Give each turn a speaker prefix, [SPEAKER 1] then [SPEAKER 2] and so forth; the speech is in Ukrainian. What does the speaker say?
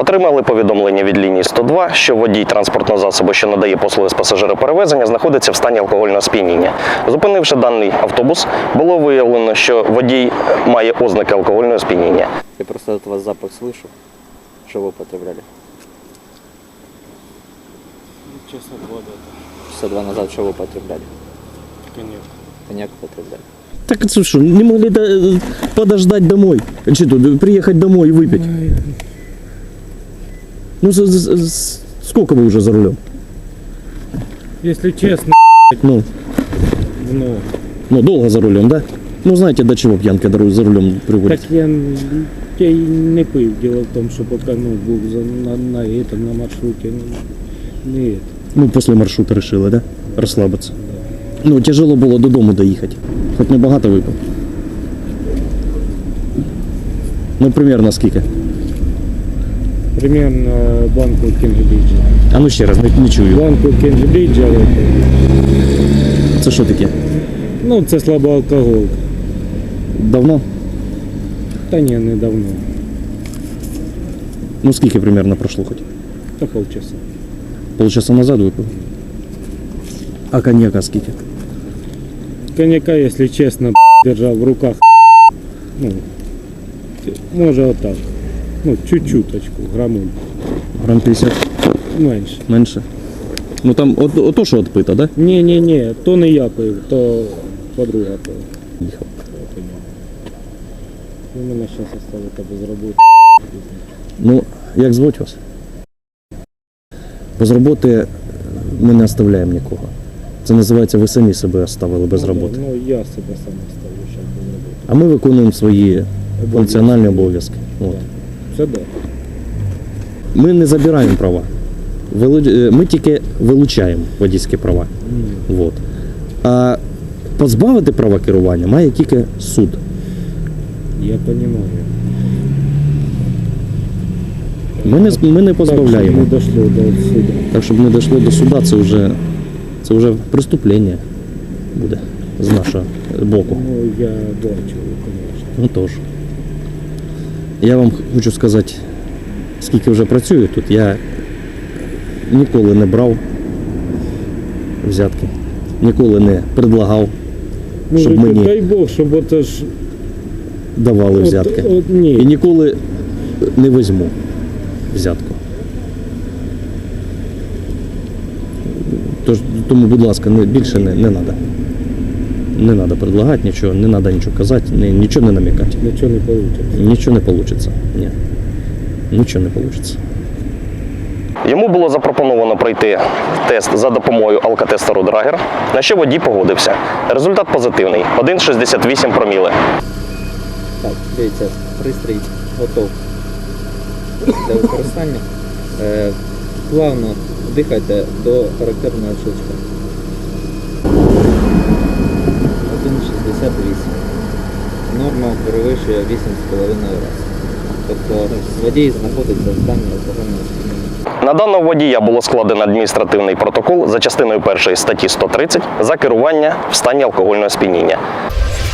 [SPEAKER 1] Отримали повідомлення від лінії 102, що водій транспортного засобу, що надає послуги з пасажироперевезення, знаходиться в стані алкогольного сп'яніння. Зупинивши даний автобус, було виявлено, що водій має ознаки алкогольного сп'яніння.
[SPEAKER 2] Я просто от вас запах слышу, что вы употребляли.
[SPEAKER 3] Честно, 2 года.
[SPEAKER 2] Часа 2 назад что вы употребляли?
[SPEAKER 3] Коньяк.
[SPEAKER 2] Коньяк употребляли.
[SPEAKER 4] Так это что, не могли подождать домой? Что тут, приехать домой и выпить? Ну, сколько вы уже за рулем?
[SPEAKER 3] Если честно,
[SPEAKER 4] Ну,
[SPEAKER 3] ну,
[SPEAKER 4] долго за рулем, да? Ну, знаете, до чего пьянка за рулем
[SPEAKER 3] так
[SPEAKER 4] приводит?
[SPEAKER 3] я и не пив. Дело в том, что пока був на маршруте, не это.
[SPEAKER 4] Ну, после маршрута решила, да? Расслабиться. Ну, тяжело было до дому доехать. Хоть не багато випив. Ну, примерно скільки?
[SPEAKER 3] Примерно банку Кінгбриджа.
[SPEAKER 4] А ну ще раз, не чую.
[SPEAKER 3] Банку Кінгбриджа,
[SPEAKER 4] Це що таке?
[SPEAKER 3] ну це слабоалкоголка.
[SPEAKER 4] Давно?
[SPEAKER 3] Та ні, недавно.
[SPEAKER 4] Ну, скільки примерно пройшло хоч?
[SPEAKER 3] Та полчаса.
[SPEAKER 4] Полчаса назад випив? А коньяка скільки?
[SPEAKER 3] Коньяка, если честно, держал в руках, ну, може отак, ну, чуть-чуточку, грамуль,
[SPEAKER 4] Грам 50?
[SPEAKER 3] менше.
[SPEAKER 4] Менше? Ну там ото що відпито, да?
[SPEAKER 3] Ні, то не я пив, то подруга пив.
[SPEAKER 4] Їхав.
[SPEAKER 3] У мене зараз оставити без роботи.
[SPEAKER 4] Ну, як звуть вас? Без роботи ми не оставляємо нікого. Це називається, ви самі себе оставили без роботи.
[SPEAKER 3] Ну, я себе сам оставлю зараз без роботи.
[SPEAKER 4] А ми виконуємо свої функціональні обов'язки. От.
[SPEAKER 3] Це да.
[SPEAKER 4] Ми не забираємо права. Ми тільки вилучаємо водійські права. От. А позбавити права керування має тільки суд.
[SPEAKER 3] Я розумію.
[SPEAKER 4] Ми не позбавляємо.
[SPEAKER 3] Так, щоб не дійшло до суду.
[SPEAKER 4] Так, щоб не дійшло до суда, це вже преступлення буде з нашого боку.
[SPEAKER 3] Ну, я бачу, звісно.
[SPEAKER 4] Ну тож. Я вам хочу сказати, скільки вже працюю тут, я ніколи не брав взятки, ніколи не предлагав, щоб
[SPEAKER 3] Ну,
[SPEAKER 4] мені
[SPEAKER 3] дай Бог, щоб оце ж...
[SPEAKER 4] давали взятки.
[SPEAKER 3] Ні.
[SPEAKER 4] І ніколи не візьму взятку. Тому, будь ласка, більше не треба. Не треба предлагати нічого, не треба нічого казати, нічого не намікати.
[SPEAKER 3] Нічого не вийде.
[SPEAKER 4] Нічого не вийде. Ні. Нічого не вийде.
[SPEAKER 1] Йому було запропоновано пройти тест за допомогою алкотестеру Драгер, на що водій погодився. Результат позитивний – 1,68 проміли.
[SPEAKER 2] Так, дивіться, пристрій готов для використання. Плавно дихайте до характерного щелчка. 1,68. Норма перевищує 8,5 разів. Тобто водій знаходиться в стані алкогольного сп'яніння.
[SPEAKER 1] На даного водія було складено адміністративний протокол за частиною 1 статті 130 за керування в стані алкогольного сп'яніння.